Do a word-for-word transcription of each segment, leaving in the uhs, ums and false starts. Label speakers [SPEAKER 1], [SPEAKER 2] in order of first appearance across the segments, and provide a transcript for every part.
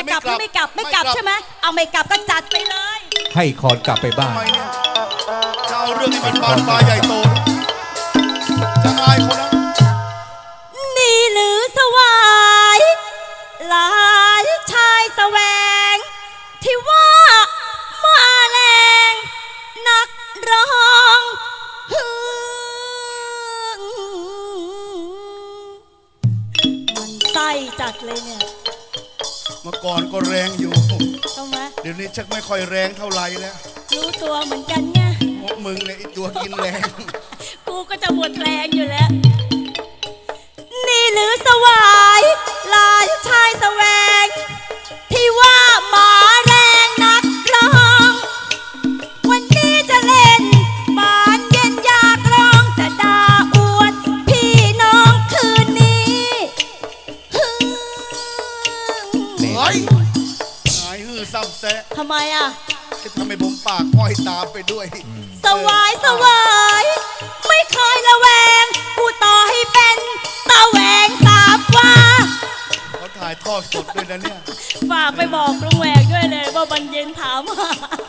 [SPEAKER 1] จะกลับหรือไม่กลับไม่กลับใช่ไหมเอาไม่กลับก็จัดไปเลย
[SPEAKER 2] ให้คอนกลับไปบ้าน
[SPEAKER 3] จะเอาเรื่องนี้มันบานปลายใหญ่โตจะอายเขานะ
[SPEAKER 1] นี่หรือสวายหลานชายแสวงที่ว่ามาแรงนักร้องมันไส้จัดเลยเนี่ย
[SPEAKER 3] เมื่อก่อนก็แรงอยู่
[SPEAKER 1] ทำไม
[SPEAKER 3] เดี๋ยวนี้ชักไม่ค่อยแรงเท่าไหร่แล้ว
[SPEAKER 1] รู้ตัวเหมือนกันไง
[SPEAKER 3] มึงเนี่ยไอตัวกินแรง
[SPEAKER 1] กูก็จะหมดแรงอยู่แล้วนี่หรือสวายหลานชายแสวงที่ว่าหมาแรงนักร้องวันนี้จะเล่นบานเย็นอยากร้องจะด่าอวดพี่น้องคืนนี้
[SPEAKER 3] เฮ้ยหายฮือซ้ำแซะ
[SPEAKER 1] ทำไมอ่ะ
[SPEAKER 3] ทำไมผมปากห้อยตามไปด้วย
[SPEAKER 1] สวายสวายไม่เคยละแวงกูต่อให้เป็นตาแหวงสาบว่า
[SPEAKER 3] เขาถ่ายทอดสดด้วยนะเนี่ย
[SPEAKER 1] ฝากไปบอกลุงแหวกด้วยเลยว่าบันเย็นถามมา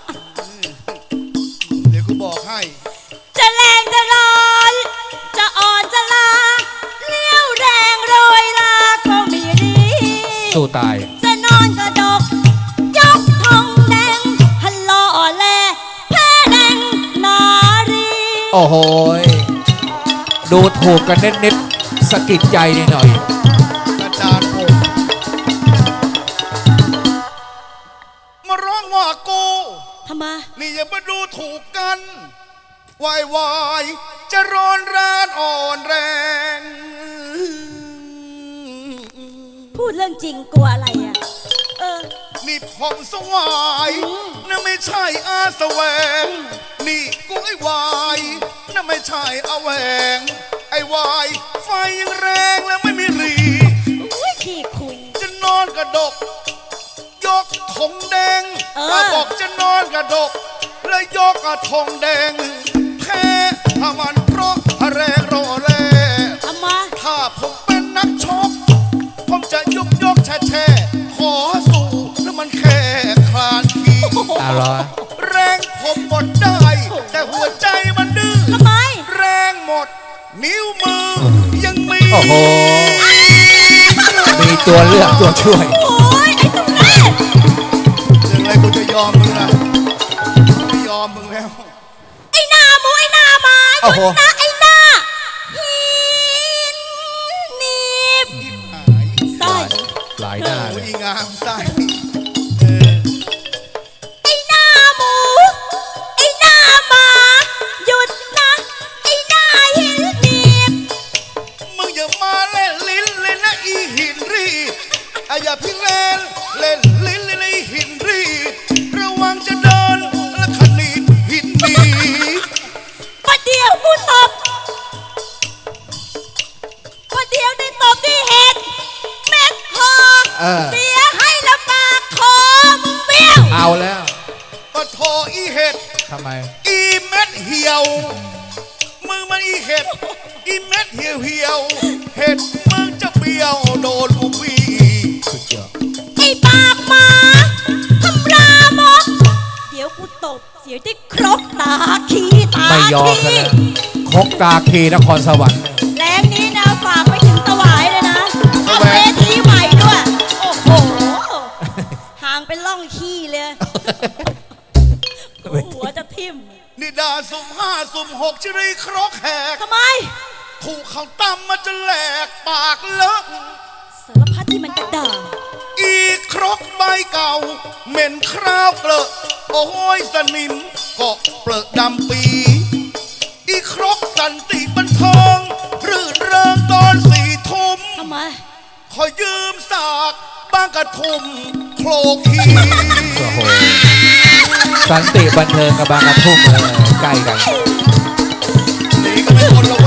[SPEAKER 3] เดี๋ยวกูบอกให้
[SPEAKER 1] จะแรงจะร้อนจะอ่อนจะลาเลี้ยวแรงโรยลาก็มีดี
[SPEAKER 2] สู้ตาย
[SPEAKER 1] จะนอนกระดกยกทองแดงฮัลโหลแลแพ้แดงนารี
[SPEAKER 2] โอ้โหดูถูกกันเน็ตๆสะกิดใจนิดหน่อย
[SPEAKER 3] อาจารย์ผมมาร้องว่ากู
[SPEAKER 1] ทำไม
[SPEAKER 3] นี่อย่ามาดูถูกกันวายวายจะร้อนแรงอ่อนแรง
[SPEAKER 1] พูดเรื่องจริงกลัวอะไรอ่ะเออ
[SPEAKER 3] นี่ผมสวายนั่นไม่ใช่อาแสวงนี่กูไอ้วายนั่นไม่ใช่อาแหวงไอ้วายไฟยังแรงแล้วไม่มีรี
[SPEAKER 1] อุ้ยขี้คุย
[SPEAKER 3] จะนอนกระดกยกธงแดงถ้าบอกจะนอนกระดกแล้วยกกระธงแดงแพ้ถ้ามันเพราะแรงรอแล
[SPEAKER 1] ทำไม
[SPEAKER 3] ถ้าผมเป็นนักชกผมจะยกยกแช่แช่ขอสู้แล้วมันแค่คลานขี้แรงผมหมดได้แต่หัวใจมันดื้อ
[SPEAKER 1] ทำไม
[SPEAKER 3] แรงหมดนิ้วมือยังมี
[SPEAKER 2] โอ้โหมีตัวเลือกตัวช่วย
[SPEAKER 1] โอ้ยไอ้ตุ๊กแก
[SPEAKER 3] เรื่องอะไรกูจะยอมมึงนะไม่ยอมมึงแล้ว
[SPEAKER 1] ไอ้หน้ามูไอ้หน้ามาหยุดนะไอ้หน้าหินนีบไส้
[SPEAKER 2] หลายหน้าเลย
[SPEAKER 3] อีงามไส้
[SPEAKER 1] ไอ้หน้าหมูไอ้หน้ามาหยุดนะไอ้หน้าหินนีบ
[SPEAKER 3] มึงอย่ามาเล่นลิ้นเลยนะอีหินรีอย่าพิงเล่นเล่นลิ้นเลยนะอีหินรีระวังจะโดนและขนีดหินดี
[SPEAKER 1] ประเดี๋ยวกูตบประเดี๋ยวได้ตบที่เห็ดแม็กคอเสียให้ละปากคอมึงเบี้ยว
[SPEAKER 2] เอาแล้ว
[SPEAKER 3] ปะโถอีเห็ด
[SPEAKER 2] ทำไม
[SPEAKER 3] อีเม็ดเหี่ยวมึงมันอีเห็ดอีเม็ดเหี่ยวเหี่ยวเห็ดมึงจะเบี้ยวโดนกูบี
[SPEAKER 2] สุดยอด
[SPEAKER 1] ไอ้ปากหมาทำรามกเดี๋ยวกูตบเสียที่ครกตาขีตา
[SPEAKER 2] ไม่ยอมกันแล้วครกตาคีนครสวรรค์
[SPEAKER 1] แรงนี้นะฝากไปถึงสวายเลยนะเอาเวทีใหม่ด้วยโอ้โหห่างเป็นล่องขี้เลยหัวจะทิ่ม
[SPEAKER 3] นิดาสุ่มห้าสุ่มหกจะได้ครกแหก
[SPEAKER 1] ทำไม
[SPEAKER 3] ถูกเขาตั้มมันจะแหลกปากเลอะ
[SPEAKER 1] สารพัดที่มันกระด่า
[SPEAKER 3] อีครกใบเก่าเหม็นคราวเกลอะโอ้ยสนิมเกาะเปลือกดำปีอีครกสันติบันเทิงรื่นเริงตอนสี่ทุ่ม
[SPEAKER 1] ทำไม
[SPEAKER 3] ขอยืมสากบางกระทุ่มโคลคี
[SPEAKER 2] สันติบันเทิงกับบางกระทุ่มใกล้กัน
[SPEAKER 3] นี่ก็ไม่คนลง